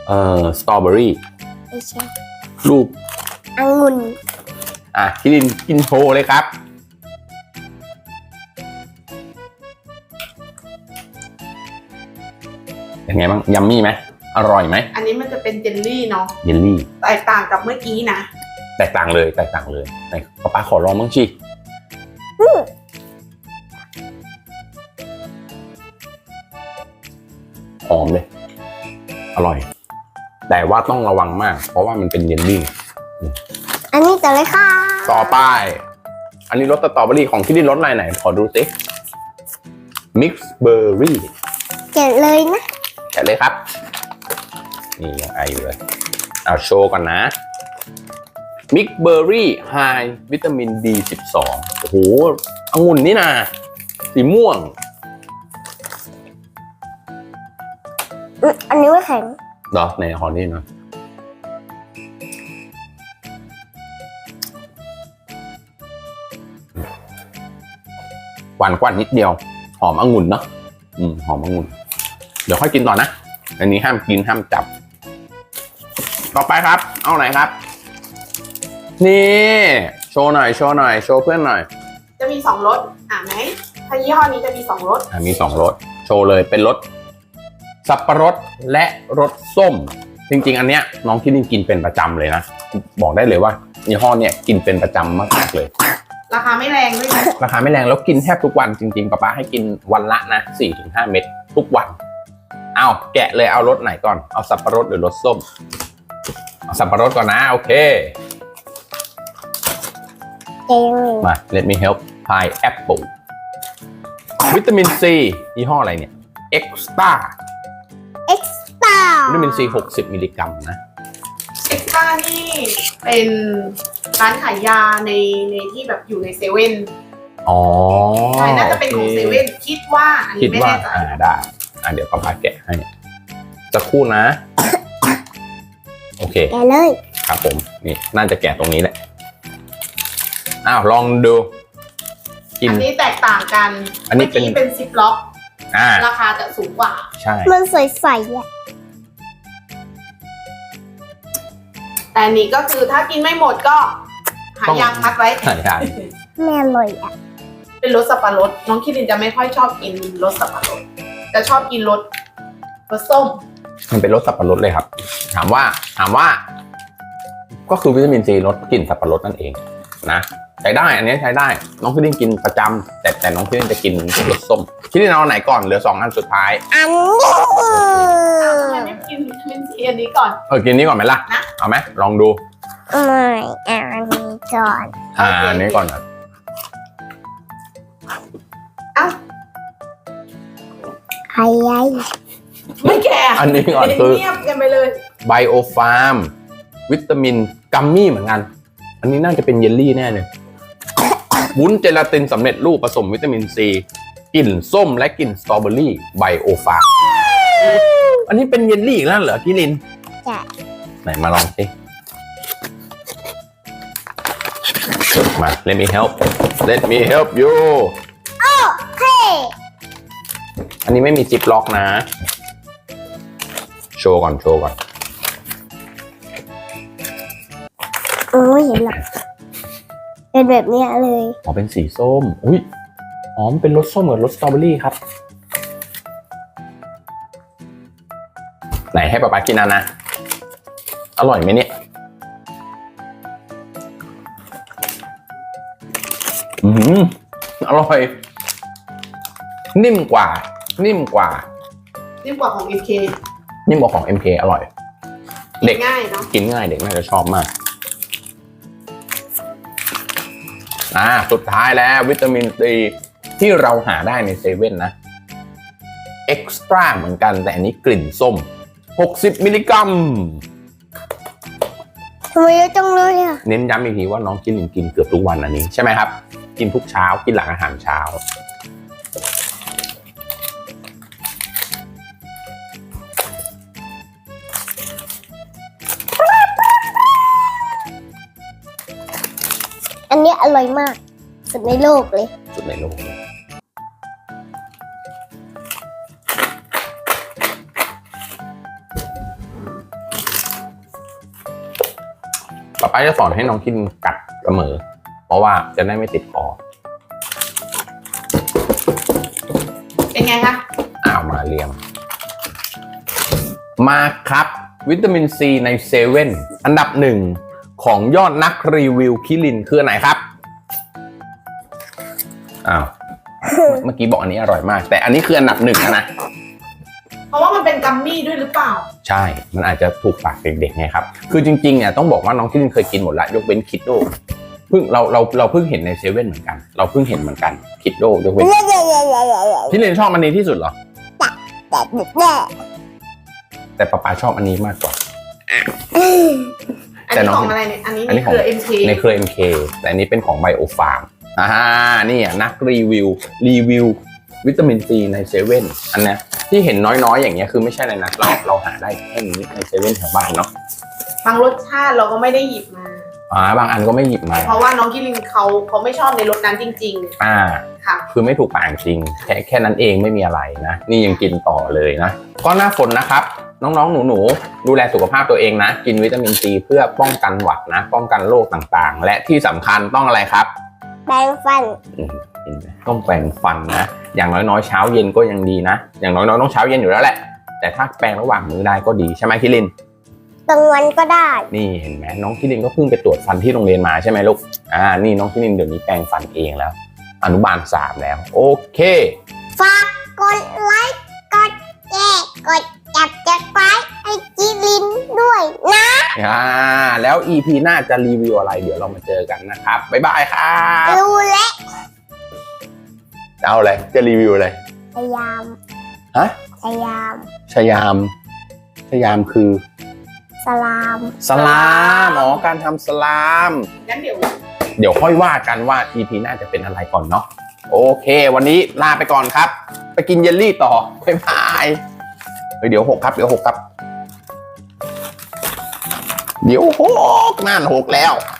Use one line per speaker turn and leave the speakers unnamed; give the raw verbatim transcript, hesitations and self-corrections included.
เอ่อสตรอเบอรี่
ไม่ใช่
รูป
องุ่น
อ่ะคิรินกินโชว์เลยครับเป็นไงบ้างยัมมี่ไหมอร่อยไหม
อันนี้มันจะเป็นเจลลี่เนาะ
เยลลี่
แตกต่างกับเมื่อกี้นะ
แตกต่างเลยแตกต่างเลยไหนป๊าป๊าขอลองบ้างชิหอมเลย อร่อย แต่ว่าต้องระวังมาก เพราะว่ามันเป็นเยลลี่
อันนี้ต่อเลยค่ะ
ต่อไป อันนี้รสสตรอเบอรี่ของคิรินรสอะไรไหน ขอดูสิมิกซ์เบอร์รี่
เก็บเลยนะ
แกะเลยครับ นี่ยังไออยู่เลย เอาโชว์ก่อนนะ มิกเบอร์รี่ไฮวิตามิน บี สิบสอง โอ้โหองุ่นนี่นะสีม่วง
อืมอันนี้ไม่แข็ง
เหรอในหอนี่นะหวานกว่านิดเดียว หอมองุ่นเนาะอืมหอมองุ่น เดี๋ยวค่อยกินต่อนะ อันนี้ห้ามกินห้ามจับ ต่อไปครับ เอาไหนครับ นี่ โชว์หน่อย โชว์หน่อย โชว์เพื่อนหน่อย
จะมีสองรสอ่าไหมถ้ายี่ห้อนี้จะมีสองรส
อ่ะมีสองรส โชว์เลย เป็นรสสับปะรดและรสส้ม จริงๆ อันเนี้ยน้องคิดกินเป็นประจำเลยนะ บอกได้เลยว่ายี่ห้อเนี้ยกินเป็นประจำมากๆเลย
ราคาไม่แรงด้วยนะ
ราคาไม่แรงแล้วกินแทบทุกวันจริงๆป๊าป๊าให้กินวันละนะ สี่ถึงห้า เม็ดทุกวัน เอาแกะเลยเอารสไหนก่อน เอาสับปะรดหรือรสส้ม เอาสับปะรดก่อนนะโอเค
เจ๊ยังไง
มา let me help pineapple วิตามินซียี่ห้ออะไรเนี่ย extra
เอ็กซ์ตร้า
วิตามินซีหกสิบมิลลิกรัมนะ
เอ็กซ์ตร้านี่เป็นร้านขายยาในในที่แบบอยู่ในเซเว่น
อ๋อ
ใช่น่าจะเป็นของเซเว่นคิดว่าอัน
คิ
นี้
ด
ไม่
ว่า
แน่ใจ
อ่าได้อ่าเดี๋ยวป๊าป๊าแกะให้สักครู่นะ โอเค
แกะเลย
ครับผมนี่น่าจะแกะตรงนี้แหละอ้าวลองดู กิน
อันนี้แตกต่างกัน
อันนี้เป็น
มื่กี้เป็นซิปล็อก
อ่า
ราคาจะสูงกว่า
ใช่
มันใสๆอ่ะ
แต่อันนี้ก็คือถ้ากินไม่หมดก็หายางมัดไว้
ใช่ใช่
ไม่อร่อยอ่ะ
เป็นรสสับปะรดน้องคิรินจะไม่ค่อยชอบกินรสสับปะรดจะชอบกินรสรสส้ม
มันเป็นรสสับปะรดเลยครับ ถามว่าถามว่า ก็คือวิตามินซีรสกลิ่นสับปะรดนั่นเองนะใช้ได้อันนี้ใช้ได้ น้องคิรินกินประจำแต่แต่น้องคิรินจะกินรสส้มคิรินเอาไหนก่อนเหลือสองอันสุดท้าย
อันนี้
ทำไมไม่กินวิตามินซีอันนี้ก่อน
เออกินนี้ก่อนไหมล่ะ
นะ
เอาไหมลองดู
ไม่อันนี้ก่อน
อ่า
โอเค
อันนี้ก่อนนะ
เอ้า
ไอ้ยัย
ไม่แก่
อันนี้ก่อนคือ
เงียบกันไปเลย
ไบโอฟาร์มวิตามินกัมมี่เหมือนกัน อันนี้น่าจะเป็นเยลลี่แน่เลย วุ้นเจลาตินสำเร็จรูปผสมวิตามินซีกลิ่นส้มและกลิ่นสตรอเบอรี่ไบโอฟาร์มอันนี้เป็นเยลลี่อีกแล้วเหรอคิริน
จ้ะ
ไหนมาลองสิมา let me help let me help you
เฮ้
อันนี้ไม่มีจิปล็อกนะ โชว์ก่อนโชว์ก่อน
เออไม่เห็นหรอกเป็นแบบเนี้ยเลย
อ๋อเป็นสีส้ม อุ้ยอ๋อมันเป็นรสส้มกับรสสตรอเบอรี่ครับ ไหนให้ป๊าป๊ากินอันนะ อร่อยไหมเนี่ย อืมอร่อย นิ่มกว่า นิ่มกว่า
นิ่มกว่าของ เอ็ม เค
นิ่มกว่าของ เอ็ม เค อร่อย เด็ก
ง่ายเนาะ
กินง่ายเด็กน่าจะชอบมาก อ่า สุดท้ายแล้ววิตามินซีที่เราหาได้ในเซเว่นนะ เอ็กซ์ตร้าเหมือนกันแต่อันนี้กลิ่นส้ม หกสิบมิลลิกรัม
ทำไมเยอะจังเลยอ่ะ
เน้นย้ำอีกทีว่าน้องกินกินเกือบทุกวันอันนี้ใช่ไหมครับ กินทุกเช้ากินหลังอาหารเช้า
อันนี้อร่อยมาก สุดในโลกเลย
สุดในโลกเลยป๊าจะสอนให้น้องกินกัดเสมอ เพราะว่าจะได้ไม่ติดคอ
เป็นไงคะ
อ้าวมาเรียง มาครับวิตามินซีในเซเว่นอันดับหนึ่งของยอดนักรีวิวคิรินคืออันไหนครับอ้าวเมื่อกี้บอกอันนี้อร่อยมาก แต่อันนี้คืออันดับหนึ่งนะ
เพราะว่ามันเป็นกัมมี่ด้วยหรือเปล่า
ใช่ มันอาจจะถูกปากเด็กๆไงครับ คือจริงๆเนี่ยต้องบอกว่าน้องคิรินเคยกินหมดละยกเว้นคิดโดเพิ่งเราเราเราเพิ่งเห็นในเซเว่นเหมือนกันเราเพิ่งเห็นเหมือนกันคิดโดยกเว้นคิรินชอบอันนี้ที่สุดเหรอแต่ป๊าป๊าชอบอันนี้มากกว่า
อันนี้ของอะไรเนี่ย อันนี้
อัน
ใน
นี้
เครือ เอ็ม เค
ในเครือ เอ็ม เค แต่อันนี้เป็นของไบโอฟาร์มอ่านี่อ่ะนักรีวิวรีวิววิตามินซีในเซเว่นอันเนี้ยที่เห็นน้อยๆอย่างเงี้ยคือไม่ใช่เลยนะเราเราหาได้แค่นี้ในเซเว่นแถวบ้านเนาะ
บางรสชาติเราก็ไม่ได้หยิบมา
อ่าบางอันก็ไม่หยิบมา
เพราะว่าน้องกิลินเขาเขาไม่ชอบในรสนั้นจริง
อ่า
ๆ ค่ะ
คือไม่ถูกปากจริงแค่แค่นั้นเองไม่มีอะไรนะนี่ยังกินต่อเลยนะก็หน้าฝนนะครับน้องๆหนูๆดูแลสุขภาพตัวเองนะกินวิตามินซีเพื่อป้องกันหวัดนะป้องกันโรคต่างๆ และที่สำคัญต้องอะไรครับ
แปรงฟัน
อืมเห็นไหมต้องแปรงฟันนะอย่างน้อยๆเช้าเย็นก็ยังดีนะอย่างน้อยๆต้องเช้าเย็นอยู่แล้วแหละแต่ถ้าแปรงระหว่างมื้อได้ก็ดีใช่ไหมคิริน
กลางวันก็ได้
นี่เห็นไหมน้องคิรินก็เพิ่งไปตรวจฟันที่โรงเรียนมาใช่ไหมลูกอ่านี่น้องคิรินเดี๋ยวนี้แปรงฟันเองแล้วอนุบาลสามแล้วโอเค
ฝากกดไลค์กดแชร์กดจับจักรไปให้จิลินด้วยนะ
อ่าแล้ว อี พี หน้าจะรีวิวอะไรเดี๋ยวเรามาเจอกันนะครับบ๊ายบายครับ
รู้และ
เอาอะไรจะรีวิวอะไร
พยายาม
ฮะ
พยายาม
ชยามชยามคือ
สลาม
สลามอ๋อการทำสลาม
งั้นเดี๋ยว
เดี๋ยวค่อยว่ากันว่า อี พี หน้าจะเป็นอะไรก่อนเนาะโอเค วันนี้ลาไปก่อนครับ ไปกินเยลลี่ต่อบ๊ายบายเฮ้ยเดี๋ยวหกครับเดี๋ยวหกครับ เดี๋ยวหกนั่นหกแล้ว